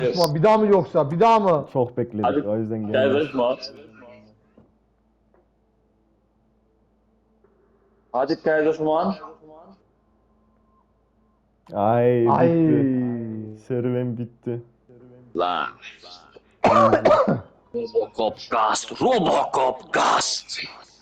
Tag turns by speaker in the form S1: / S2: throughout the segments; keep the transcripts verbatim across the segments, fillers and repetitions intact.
S1: Osman bir daha mı yoksa? Bir daha mı?
S2: Çok bekledik
S3: Hadi.
S2: o yüzden
S3: Gel
S2: geldi.
S3: Resma. Hadi Kaiserschmarrn.
S2: Ay
S1: Ay.
S2: bitti. Serüven bitti.
S3: Lan. Robocop Gast. Robocop Gast.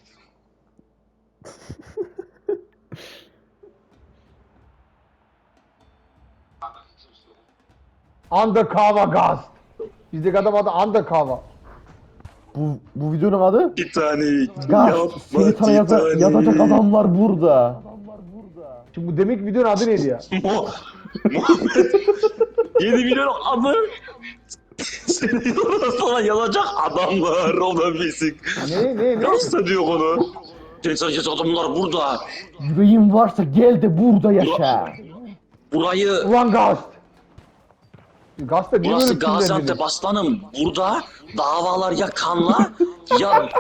S1: Undercover Ghost. Bizdeki adam adı Undercover.
S2: Bu bu videonun adı
S3: Titanic.
S2: Gaz. Seni sana yaza- yazacak adamlar burada.
S1: Şimdi bu demek videonun adı neydi ya?
S3: Mo. yedi milyon adı. Seni sana yazacak adamlar. O da basic.
S1: Ne ne ne?
S3: Nasıl diyor onu? Seni sana yazacak adamlar burada.
S2: Yüreğin varsa gel de burada yaşa.
S3: Burayı
S1: Ulan Ghost. Ghost da niye
S3: Burası
S1: böyle
S3: Gaziantep
S1: kimlendiniz?
S3: aslanım. Burada davalar ya kanla ya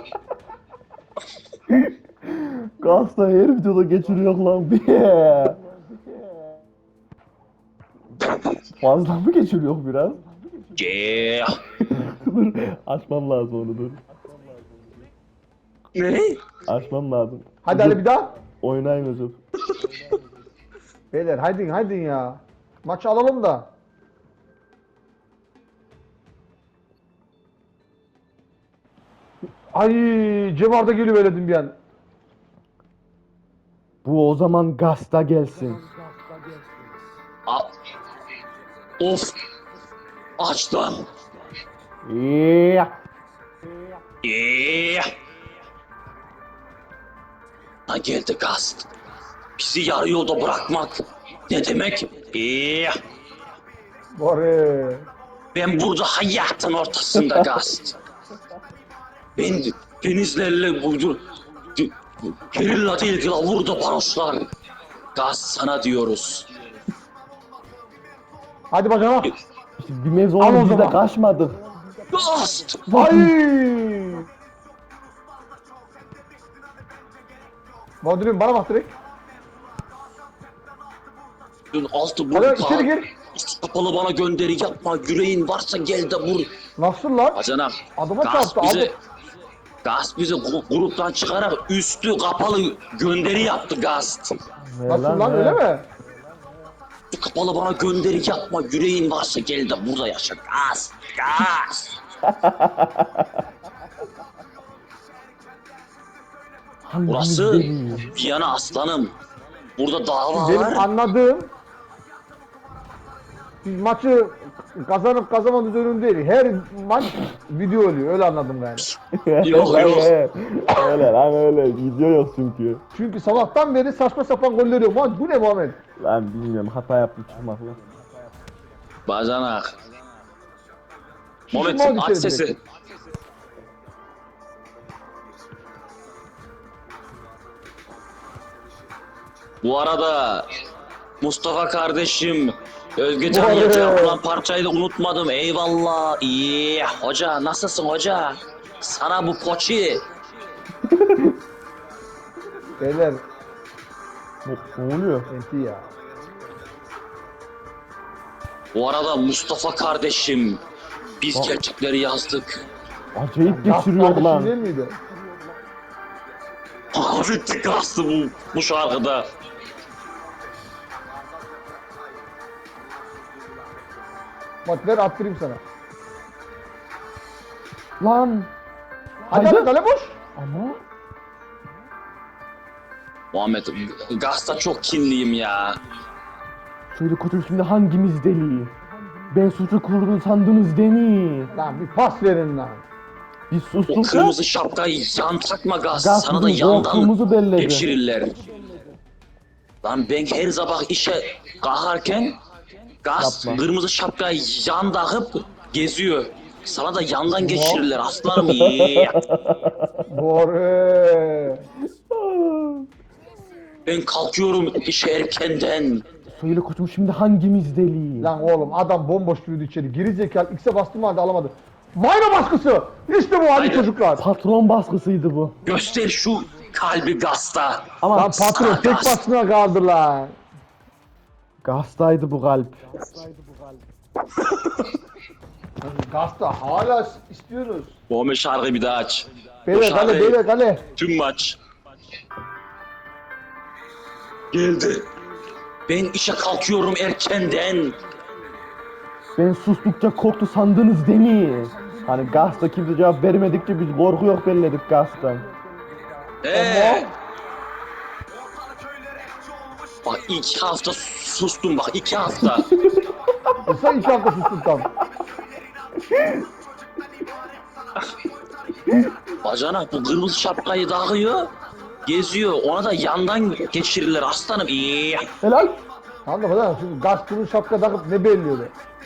S2: Gazda her videoda geçiriyor lan bir. Fazla mı geçiriyor biraz?
S3: Yeah.
S2: Dur açmam lazım onu dur.
S3: Ne?
S2: Açmam lazım.
S1: Hadi hadi bir daha.
S2: Oynayın özür.
S1: Beyler haydin haydin ya. Maçı alalım da. Ay Cem Arda geliyor böyle dedim bir an.
S2: Bu o zaman Gazda gelsin.
S3: A of. Açtım.
S2: Yeah.
S3: Yeah. Ha geldi gaz. Bizi yarı yolda bırakmak ne demek? Yeah.
S1: Bari.
S3: Ben burada hayatın ortasında gaz. Ben denizlerle vurdu. Gerilla değil vurdu baroslar. Gaz sana diyoruz.
S1: Hadi bacana.
S2: İşte bir mevzu
S1: Al o
S2: oldu biz de
S1: zaman.
S2: kaçmadık.
S3: Gaz.
S1: Ay. Bodrum bana bak direkt.
S3: Dün altı bu
S1: Hadi içeri gir.
S3: kapalı bana gönderi yapma. Yüreğin varsa gel de vur.
S1: Nasıl lan?
S3: Bacanak.
S1: Adama
S3: Gaz
S1: çarptı,
S3: bize,
S1: aldı.
S3: Gaz bize gu- gruptan çıkarak üstü kapalı gönderi yaptı Gaz.
S2: Ne
S1: Nasıl lan
S2: ne?
S1: öyle mi?
S3: Üstü kapalı bana gönderi yapma. Yüreğin varsa gel de burada yaşa. Gaz. Gaz.
S2: Hangimiz
S3: Burası
S2: deli?
S3: Viyana aslanım. Burada dava
S1: Benim
S3: var.
S1: anladığım biz maçı kazanıp kazanmadığımız önemli değil. Her maç video oluyor. Öyle anladım yani.
S3: Yok,
S2: Lan
S3: yok.
S2: öyle. Öyle lan öyle. Video yok çünkü.
S1: Çünkü sabahtan beri saçma sapan goller yok. Lan bu ne Muhammed?
S2: Lan bilmiyorum hata yaptım çıkmakla.
S3: Bacanak.
S1: Şişman
S3: Muhammed aç
S1: içeri
S3: sesi.
S1: direkt.
S3: Bu arada Mustafa kardeşim Özgecan
S1: Vay.
S3: Yırcı yapılan parçayı da unutmadım. Eyvallah. İyi. Hoca nasılsın hoca? Sana bu poçi.
S1: Beyler
S2: Ne, ne oluyor?
S1: enti ya.
S3: Bu arada Mustafa kardeşim biz
S2: Aa.
S3: gerçekleri yazdık.
S2: Acayip
S1: Gaz
S2: geçiriyor
S1: kardeşim
S2: lan.
S1: değil miydi?
S3: Abi tıkastı bu, bu şarkıda.
S1: Bak ver attırayım sana.
S2: Lan.
S1: Hadi
S2: Haydi.
S1: hadi kale boş.
S2: Ama
S3: Muhammed Gaz'da çok kinliyim ya.
S2: şöyle kötü şimdi hangimiz deli? Ben suçu kurdum sandınız değil mi?
S1: Lan bir pas verin lan.
S2: Biz
S3: O
S2: sustuk da
S3: kırmızı şapkayı yan takma Gaz.
S2: Gaz
S3: Sana da
S2: bizim
S3: yandan
S2: korktuğumuzu belledi.
S3: geçirirler. Lan ben her sabah işe kalkarken Gaz
S2: Yapma.
S3: kırmızı şapkayı yan takıp geziyor. Sana da yandan geçirirler aslanım. iyi.
S1: Bore.
S3: Ben kalkıyorum işe erkenden.
S2: Söyle koçum şimdi hangimiz deli?
S1: Lan oğlum adam bomboş girdi içeri. Geri zekalı X'e bastım halde alamadı. Mayna baskısı. İşte bu hadi
S3: Haydi.
S1: çocuklar.
S2: Patron baskısıydı bu.
S3: Göster şu kalbi Gaz'da.
S2: Ama
S1: Lan patron tek basına kaldı lan.
S2: Gaz'daydı bu kalp.
S1: Gazda hala istiyoruz.
S3: Muhammed şarkıyı bir daha aç.
S1: Beyler
S3: Bu
S1: kale
S3: şarkıyı-
S1: beyler kale.
S3: Tüm maç. Geldi. Ben işe kalkıyorum erkenden.
S2: Ben sustukça korktu sandınız değil mi? Hani Gaz'da kimse cevap vermedikçe biz korku yok belledik Gaz'dan.
S3: Ee. Bak iki hafta sustum bak iki hafta.
S1: E sen iki hafta sustun tam.
S3: Bacanak bu kırmızı şapkayı takıyor. Geziyor. Ona da yandan geçirirler aslanım. İyi.
S2: Helal.
S1: Tamam da falan şimdi gaz kırın şapka takıp ne belliyordu?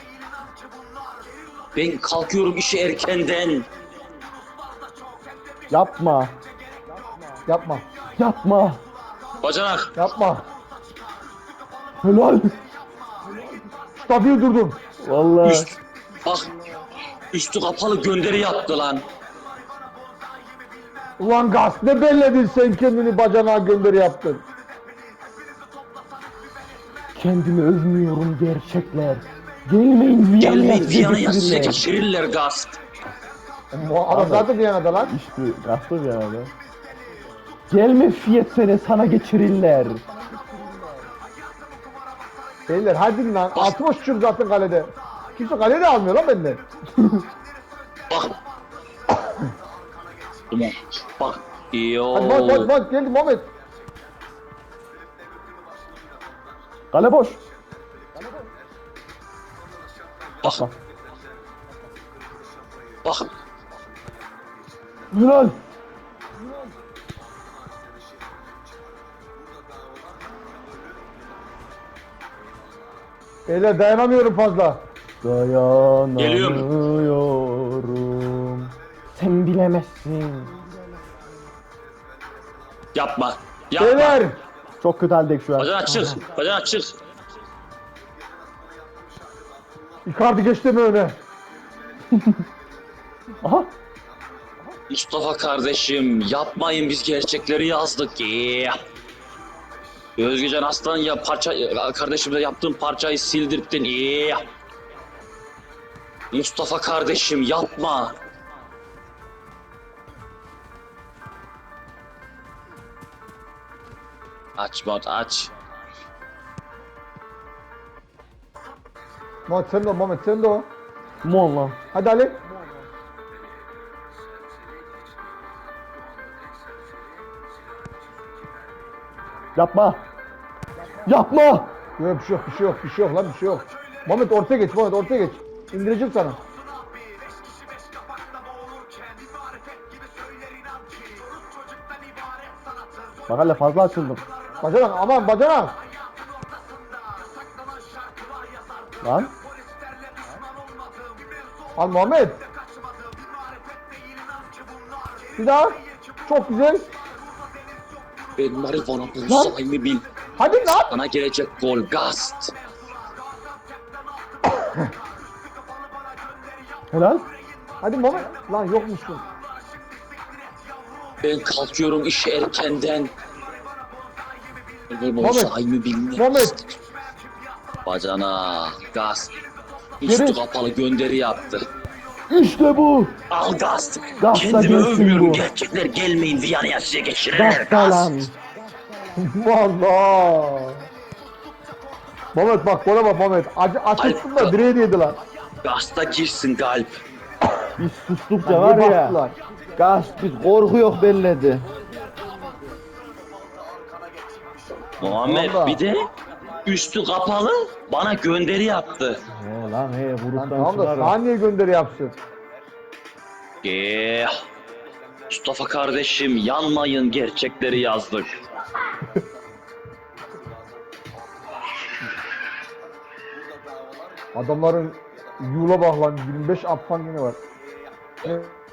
S3: Ben kalkıyorum işe erkenden.
S2: Yapma.
S1: Yapma.
S2: Yapma.
S3: Bacanak.
S1: Yapma.
S2: Helal.
S1: Stabil durdum.
S2: Vallahi.
S3: Üst. Bak. Üstü kapalı gönderi yaptı lan.
S1: Ulan gaz ne belledin sen kendini bacanağa gönderi yaptın.
S2: Kendimi övmüyorum gerçekler. Gelmeyin Viyana'ya
S3: Gelmeyin
S2: size
S3: Viyana'ya size
S2: getirirler.
S3: geçirirler gaz.
S1: Bu adam zaten Viyana'da lan.
S2: İşte Gaz'da Viyana'da. Gelme Fiyat seni sana geçirirler.
S1: Beyler hadi lan altıma sıçıyorum zaten kalede. Kimse kalede de almıyor lan benden.
S3: Bak. Tamam. Bak. Yo.
S1: Hadi bak bak bak geldi Muhammed.
S2: Kale boş.
S3: Bak. Bak.
S2: Helal.
S1: Beyler dayanamıyorum fazla.
S2: Dayanamıyorum. Sen bilemezsin.
S3: Yapma. Yapma.
S1: Beyler.
S2: Çok kötü haldeyiz şu an.
S3: Bacanak çık. Bacanak çık.
S1: Icardi geçti mi öne?
S2: Aha.
S3: Mustafa kardeşim yapmayın biz gerçekleri yazdık. Yeah. Özgecan Aslan ya parça kardeşimle yaptığın parçayı sildirdin. Yeah. Mustafa kardeşim yapma. Aç bot aç.
S1: Muhammed sen de o Muhammed sen de o.
S2: Mon lan.
S1: Hadi Ali.
S2: Yapma. Yapma.
S1: Yok bir şey yok bir şey yok bir şey yok lan bir şey yok. Muhammed ortaya geç Muhammed ortaya geç. İndireceğim sana.
S2: Bak hele fazla açıldım.
S1: Bacanak aman bacanak.
S2: Lan.
S1: Al Muhammed. Bir daha. Çok güzel.
S3: Ben marihuana bulsayımı bil.
S1: Hadi lan.
S3: Sana gelecek gol gast.
S2: Helal.
S1: Hadi Muhammed. Lan yokmuşsun.
S3: Ben kalkıyorum işe erkenden. Gol
S1: Muhammed.
S3: bulsayımı bilmek.
S1: Muhammed.
S3: Bacana gast. Üstü
S2: Geri.
S3: kapalı gönderi yaptı.
S2: İşte bu.
S3: Al gast.
S2: Gast'ta
S3: Kendimi
S2: gelsin
S3: övmüyorum.
S2: bu.
S3: Gerçekler gelmeyin Viyana'ya size geçirirler
S2: Gazda lan.
S3: gast.
S1: Valla. Muhammed bak bana bak Muhammed. Acı açıksın da direğe değdi lan.
S3: Gast'a girsin galp.
S2: Biz sustukça var
S1: Bir
S2: ya.
S1: bastılar.
S2: Gaz biz korku yok belledi.
S3: Muhammed
S1: Vallahi.
S3: bir de üstü kapalı bana gönderi yaptı.
S2: He lan he
S1: Lan
S2: gruptan
S1: tamam da
S2: çıkar.
S1: saniye gönderi yapsın.
S3: Eh, Mustafa kardeşim yanmayın gerçekleri yazdık.
S1: Adamların yula bak lan yirmi beş aptan yine var.